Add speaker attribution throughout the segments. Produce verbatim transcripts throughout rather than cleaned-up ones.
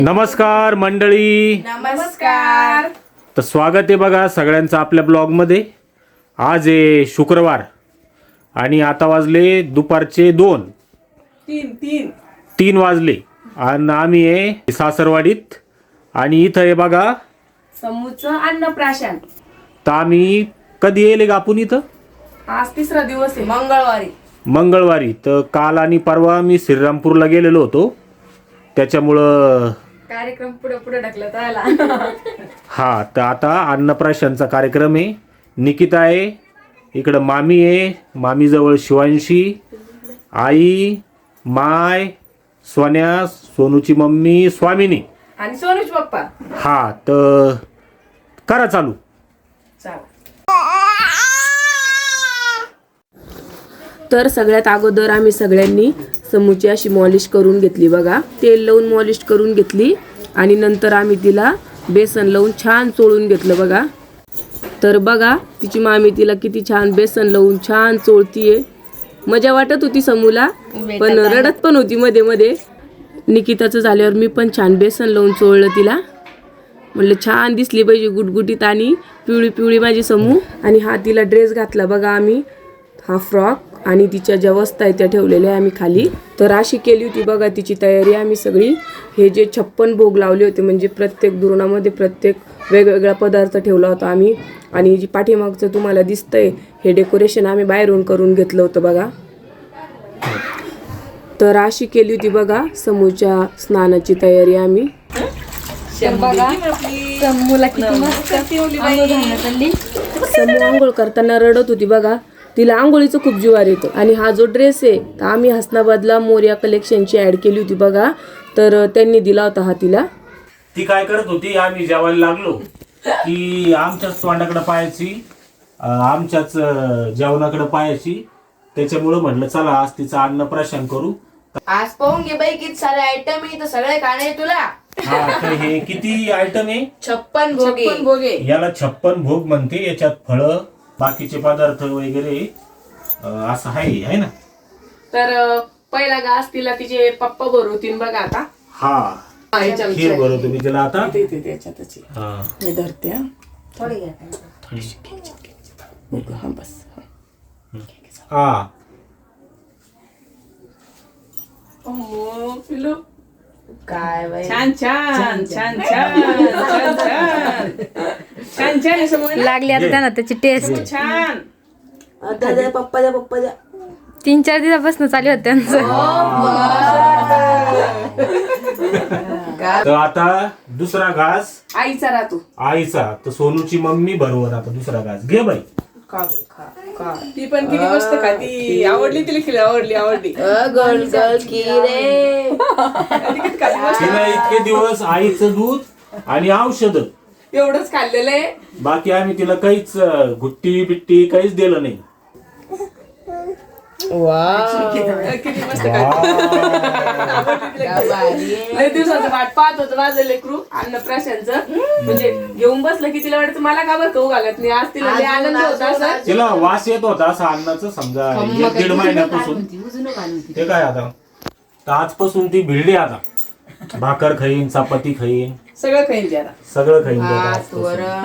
Speaker 1: नमस्कार मंडळी.
Speaker 2: नमस्कार.
Speaker 1: तर स्वागत आहे बघा सगळ्यांचं आपल्या ब्लॉगमध्ये. आज आहे शुक्रवार आणि आता वाजले दुपारचे दोन
Speaker 2: तीन तीन
Speaker 1: तीन वाजले आणि आम्ही आहे सासरवाडीत. आणि इथं आहे बघा
Speaker 2: समूचं अन्नप्राशन.
Speaker 1: तर आम्ही कधी येले का आपण इथं?
Speaker 2: आज तिसरा दिवस आहे, मंगळवारी.
Speaker 1: मंगळवारी. तर काल आणि परवा मी श्रीरामपूरला गेलेलो होतो, त्याच्यामुळं
Speaker 2: कार्यक्रम पुढे पुढे ढकलत आला.
Speaker 1: हा. तर आता अन्नप्राशनचा कार्यक्रम आहे. निकिता आहे इकडं, मामी आहे, मामीजवळ शिवांशी, आई, माय, सोन्या, सोनूची मम्मी स्वामिनी
Speaker 2: आणि सोनूच पप्पा.
Speaker 1: हा. तर करा चालू.
Speaker 2: चला.
Speaker 3: तर सगळ्यात अगोदर आम्ही सगळ्यांनी समूची अशी मॉलिश करून घेतली बघा. तेल लावून मॉलिश करून घेतली आणि नंतर आम्ही तिला बेसन लावून छान चोळून घेतलं बघा. तर बघा तिची मामी तिला किती छान बेसन लावून छान चोळतीये. मजा वाटत होती समूला, पण रडत पण होती मध्ये मध्ये. निकिताचं झाल्यावर मी पण छान बेसन लावून चोळलं तिला. म्हणलं छान दिसली पाहिजे गुटगुटीत आणि पिवळी पिवळी माझी समू. आणि हा तिला ड्रेस घातला बघा आम्ही, हा फ्रॉक. आणि तिच्या ज्या वस्ता आहेत त्या ठेवलेल्या आहे आम्ही खाली. तर अशी केली होती बघा तिची तयारी आम्ही सगळी. हे जे छप्पन भोग लावले होते, म्हणजे प्रत्येक दुरुणामध्ये प्रत्येक वेगवेगळा पदार्थ ठेवला होता आम्ही. आणि जी पाठीमागचं तुम्हाला दिसतंय हे डेकोरेशन आम्ही बाहेरून करून घेतलं होतं बघा. तर अशी केली होती बघा समूच्या स्नानाची तयारी आम्ही. समूला किती मस्त समू आंघोळ करताना रडत होती बघा. तिला आंघोळीचं खूप जीवार येतं. आणि हा जो ड्रेस आहे तर आम्ही हसनाबादला मोर्या कलेक्शनची ॲड केली होती बघा. तर त्यांनी दिला होता हा तिला.
Speaker 1: ती काय करत होती, आम्ही जेवायला लागलो की आमच्याच तोंडाकडे पाहायची, आमच्याच जेवणाकडे पाहायची. त्याच्यामुळं म्हटलं चला आज तिचं अन्नप्राशन करू.
Speaker 2: आज पाहून घे बाई किती सारे आयटम आहे, तर सगळे खाणे तुला.
Speaker 1: हा. तर हे किती आयटम आहे?
Speaker 2: छप्पन भोगे. छप्पन भोगे
Speaker 1: याला छप्पन भोग म्हणते. याच्यात फळं, बाकीचे पदार्थ वगैरे असं आहे आहे ना.
Speaker 2: तर पहिला घास तिला तिचे पप्पा भरवतील बघा आता.
Speaker 1: हा. खीर भरवतो मी तिला आता. हा.
Speaker 3: हे धरते हा.
Speaker 2: थोडी घ्या.
Speaker 3: हा बस.
Speaker 1: हा.
Speaker 2: हो पिलू. काय बाई,
Speaker 4: छान छान छान छान छान छान छान छान समोर
Speaker 5: लागली आता त्यांना त्याची टेस्ट.
Speaker 4: छान.
Speaker 3: आता द्या पप्पा द्या पप्पा द्या.
Speaker 5: तीन चार दिवसापासून चालू होत त्यांचं.
Speaker 1: तर आता दुसरा घास
Speaker 2: आईचा राहतो.
Speaker 1: आईचा. तर सोनूची मम्मी बरोबर आता दुसरा घास घे बाई.
Speaker 2: खा बाई, खा खा.
Speaker 4: ती पण किती मस्त खाती. आवडली तिला खिला आवडली आवडली
Speaker 3: गर्ल गर्ल की रे.
Speaker 1: तिला इतके दिवस आईचं दूध आणि औषध
Speaker 2: एवढंच खाल्लेलं आहे.
Speaker 1: बाकी आम्ही तिला काहीच गुट्टी बिट्टी काहीच दिलं नाही.
Speaker 4: किती मस्त खाती.
Speaker 2: लय दिवसाचं वाट पाहत होतं माझं लेकरू अन्नप्राशनचं. म्हणजे घेऊन बसलं की तिला वाटतं मला का बरं खाऊ घालत नाही. आज तिला लय आनंद होता असं.
Speaker 1: तिला वास येत होता असं अन्नाचं, समजा एक दीड महिन्यापासून. ते काय आता तर आजपासून ती भिडली. आता भाकर खाईन, चपाती खाईन,
Speaker 4: सगळं खाईन ती आता.
Speaker 1: सगळं खाईन ती आता आजपासून.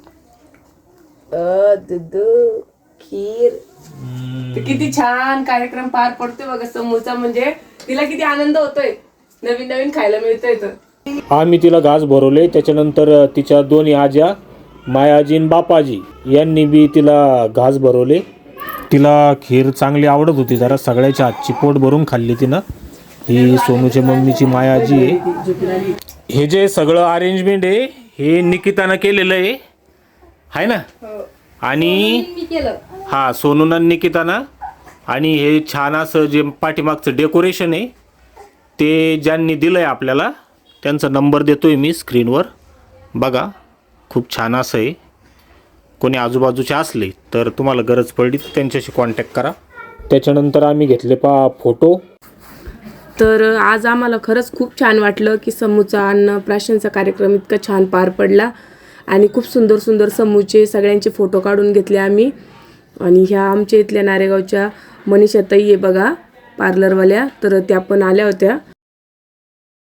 Speaker 3: दूध खीर.
Speaker 2: तर किती छान कार्यक्रम पार पडतोय बघा समूचा. म्हणजे तिला किती आनंद होतोय, नवीन नवीन खायला मिळतंय. तर
Speaker 1: आम्ही तिला घास भरवले. त्याच्यानंतर तिच्या दोन्ही आज्या, मायाजी आणि बापाजी यांनी बी तिला घास भरवले. तिला खीर चांगली आवडत होती जरा. सगळ्याच्या हातची पोट भरून खाल्ली तिनं. ही सोनूच्या मम्मीची मायाजी आहे. हे जे सगळं अरेंजमेंट आहे हे निकितानं केलेलं आहे आहे ना. आणि हा सोनूनं निकितानं. आणि हे छान असं जे पाठीमागचं डेकोरेशन आहे ते ज्यांनी दिलं आहे आपल्याला त्यांचा नंबर देतो आहे मी स्क्रीनवर. बघा खूप छान असं आहे. कोणी आजूबाजूचे असले तर तुम्हाला गरज पडली तर त्यांच्याशी कॉन्टॅक्ट करा. त्याच्यानंतर आम्ही घेतले पा फोटो.
Speaker 3: तर आज आम्हाला खरंच खूप छान वाटलं की समूचा अन्नप्राशनचा कार्यक्रम इतका छान पार पडला. आणि खूप सुंदर सुंदर समूचे सगळ्यांचे फोटो काढून घेतले आम्ही. आणि ह्या आमच्या इथल्या नारेगावच्या मनीषा ताई आहे बघा पार्लरवाल्या, तर त्या पण आल्या होत्या.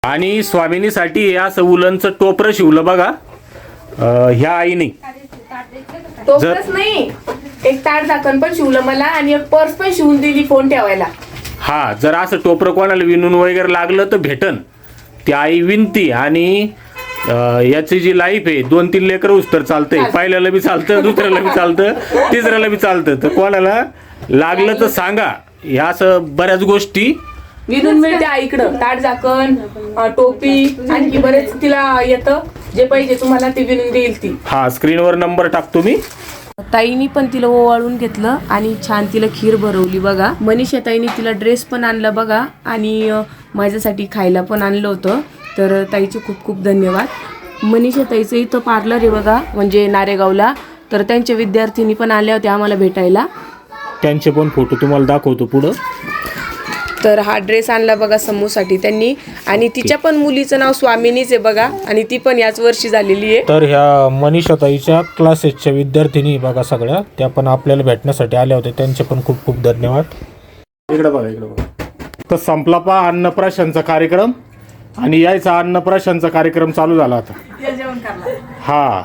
Speaker 1: आणि स्वामिनीसाठी हे असं उलनचं टोपरं शिवलं बघा अं, ह्या आईने.
Speaker 2: टोपच नाही, एक ताट झाकण पण शिवलं मला आणि एक पर्स पण शिवून दिली फोन ठेवायला.
Speaker 1: हा, जर असं टोपरं कोणाला विणून वगैरे लागलं तर भेटन. ती आई विनती. आणि अं, याची जी लाईफ आहे दोन तीन लेकर उस्तर चालतंय. पहिल्याला बी चालतं, दुसऱ्याला बी चालतं, तिसऱ्याला बी चालतं. तर कोणाला लागलं तर सांगा. ह्या असं बऱ्याच गोष्टी
Speaker 2: विणून मिळते आईकडं. ताट झाकण, अं, टोपी, आणखी बरेच तिला येतं. जे पाहिजे तुम्हाला ते विणून देईल ती.
Speaker 1: हा, स्क्रीनवर नंबर टाकतो मी.
Speaker 3: ताईनी पण तिला ओवाळून घेतलं आणि छान तिला खीर भरवली बघा. मनीषा ताईनी तिला ड्रेस पण आणला बघा आणि अं, माझ्यासाठी खायला पण आणलं होतं. तर ताईचे खूप खूप धन्यवाद. मनीषा ताईचं इथं पार्लर आहे बघा, म्हणजे नारेगावला. तर त्यांच्या विद्यार्थिनी पण आल्या होत्या आम्हाला भेटायला.
Speaker 1: त्यांचे पण फोटो तुम्हाला दाखवतो पुढं.
Speaker 3: तर हा ड्रेस आणला बघा समूसाठी त्यांनी. आणि तिच्या पण मुलीचं नाव स्वामिनीच आहे बघा, आणि ती पण याच वर्षी झालेली आहे.
Speaker 1: तर ह्या मनीषाताईच्या क्लासेसच्या विद्यार्थिनी बघा सगळ्या, त्या पण आपल्याला भेटण्यासाठी आल्या होत्या. त्यांचे पण खूप खूप धन्यवाद. इकडे बघा, इकडे बघा. तर संपला पा अन्नप्राशनचा कार्यक्रम आणि यायचा अन्नप्राशनचा कार्यक्रम चालू झाला आता.
Speaker 4: जेवण करणार.
Speaker 1: हा,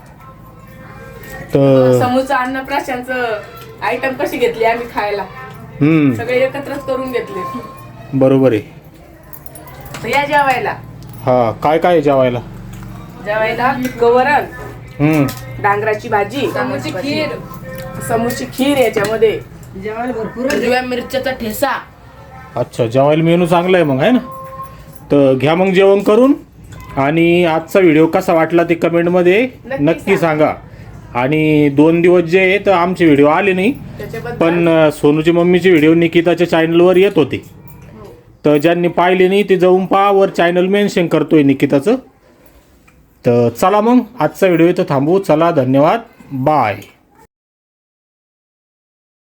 Speaker 1: तर
Speaker 2: समूचं अन्नप्राशनचं आयटम कशी घेतली आम्ही खायला,
Speaker 1: हम्म
Speaker 2: सगळे एकत्रच करून घेतले.
Speaker 1: बरोबर आहे.
Speaker 2: तर या जेवायला.
Speaker 1: हा, काय काय आहे जेवायला?
Speaker 2: जेवायला गवरण,
Speaker 1: हम्म
Speaker 2: डांगराची भाजी,
Speaker 4: समूची खीर,
Speaker 2: समूची खीर, याच्यामध्ये
Speaker 4: जेवायला भरपूर
Speaker 2: हिरव्या मिरच्याचा ठेसा.
Speaker 1: अच्छा, जेवायला मेनू चांगला आहे मग, आहे ना. तर घ्या मग जेवण करून. आणि आजचा व्हिडिओ कसा वाटला ते कमेंटमध्ये
Speaker 2: नक्की
Speaker 1: नक्की सांगा. आणि दोन दिवस जे आहे तर आमचे व्हिडिओ आले नाही,
Speaker 2: त्याच्याबद्दल
Speaker 1: पण अ, सोनूची मम्मीचे व्हिडिओ निकिताच्या चॅनलवर येत होते. तर ज्यांनी पाहिले नाही ते जाऊन पहा, वर चॅनल मेन्शन करतोय निकिताचं. तर चला मग आजचा व्हिडिओ इथं थांबवू. चला, धन्यवाद, बाय.